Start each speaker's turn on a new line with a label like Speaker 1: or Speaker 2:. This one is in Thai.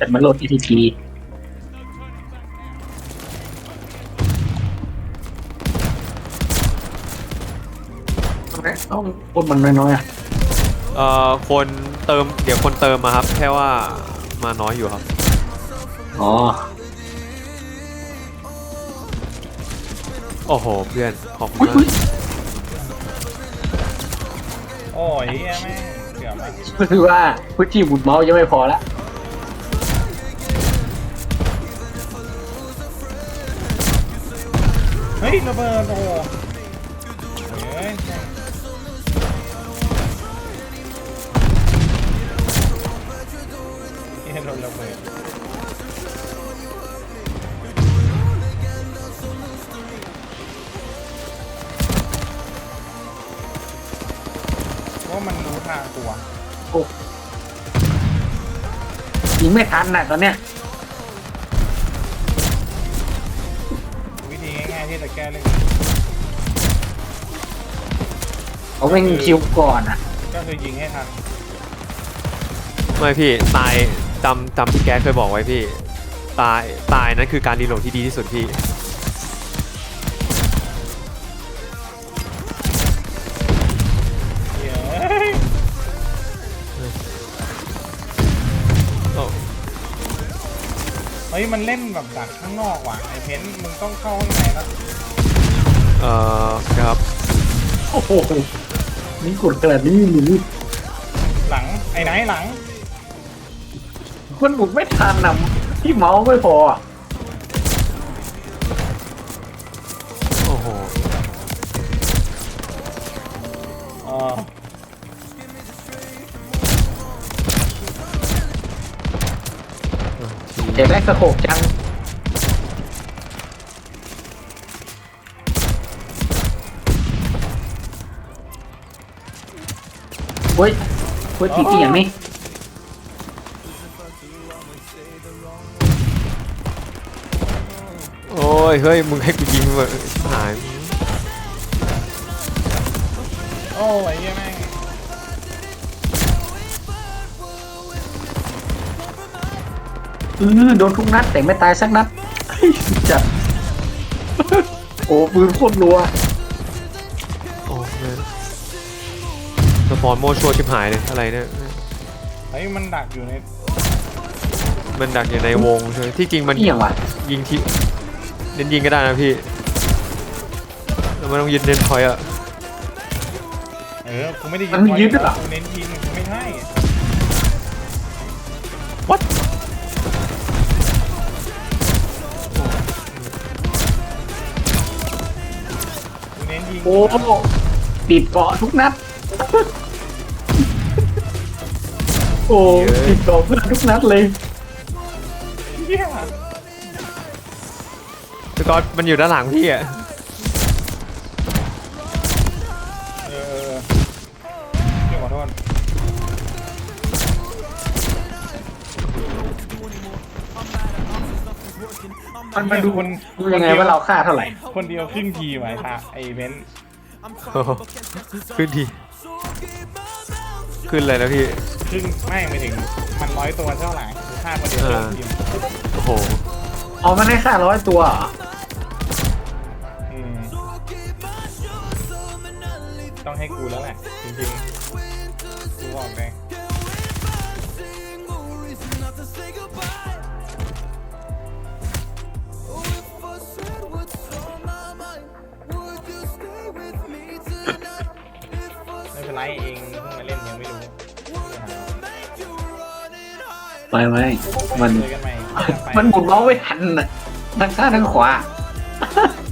Speaker 1: แต่มันโหลด ETP ต้องคนมันน้อยๆอ่ะ
Speaker 2: คนเติมเดี๋ยวคนเติมมาครับแค่ว่ามาน้อยอยู่ครับ
Speaker 1: อ๋อ
Speaker 2: โอ้โหเพื่อนขอบคุณมาก
Speaker 3: โอ้ยแม่งเกือบแล้ว
Speaker 1: ก็คือว่าพื้นที่หมุนเมาส์ยังไม่พอละ
Speaker 3: เฮ้ยระเบิดโอ้เฮ้ยโดนระเบิดว่ามันรู้ทางตัว
Speaker 1: โอ้ยิงไม่ทันน่ะตอนเนี้ย
Speaker 3: วิธีง่ายๆที่จะแก้เรื่อง
Speaker 1: เขาไม่คิวก่อนอ่ะ
Speaker 3: ก็คือยิงให้ทัน
Speaker 2: ไม่พี่ตายจำพี่แกเคยบอกไว้พี่ตายนั่นคือการรีโหลดที่ดีที่สุดพี่
Speaker 3: เฮ้ยมันเล่นแบบดักข้างนอกว่ะไอเพนมึงต้องเข้าข้างในแล้ว
Speaker 2: ครับ
Speaker 1: โอ้โหนี่กดขนาดนี้หรือ
Speaker 3: หลังไอ้ไหนหลัง
Speaker 1: มันหมุนไม่ทันนะที่เมาส์ไม่พออ่ะ
Speaker 2: โอ้โห
Speaker 1: เจ็บแรกสะโขกจังเฮ้ยทีอย่างนี้
Speaker 2: โอ้ยเฮ้ยมึงให้กูยิงมาหาย
Speaker 3: โอ้ยแม่ง
Speaker 1: โดนทุกนัดแต่ไม่ตายสักนัดจัดโอ้ปืนโคตรรัว
Speaker 2: โอ้เยสปอนโมชัวชิบหายเลยอะไรเนี่ย
Speaker 3: เฮ้ยมันดักอยู่ใน
Speaker 2: วงใช่ไหมที่จริงมันยิงที่เน้นยิงก็ได้นะพี่แล้วมันต้องยืนเน้นพอยอะ
Speaker 3: กูไม่ได้ยิง
Speaker 1: ยืนด้วยหรอ
Speaker 3: กูเน้นยิงไม่ใช่
Speaker 2: What
Speaker 3: กูเน้นยิง
Speaker 1: โอ้ติดเกาะทุกนัดโอ้ติดเกาะเพื่อนทุกนัดเลย
Speaker 2: แต่ก็มันอยู่ด้านหลังพี่อะ
Speaker 3: พี่ขอโทษ
Speaker 1: มันดูยังไงว่าเราฆ่าเท่าไหร่
Speaker 3: คนเดียวครึ่งทีไหมท่าไอเบน
Speaker 2: ขึ้นทีขึ้นเลยนะพี่
Speaker 3: ครึ่งไม่ถึงมัน100 ตัวเท่าไหร่ฆ่าคนเดียว
Speaker 2: โอ้โห
Speaker 1: อ๋อมันได้ฆ่า100 ตัว
Speaker 3: ต้องให้กูแล้วแหละจริงๆกูบอกเลยไม่เป็นไรเองเพิ่งมาเล่นยังไม่รู้
Speaker 1: ไม่มันหมุนเมาส์ไม่ทันน่ะทั้งซ้ายทั้งขวา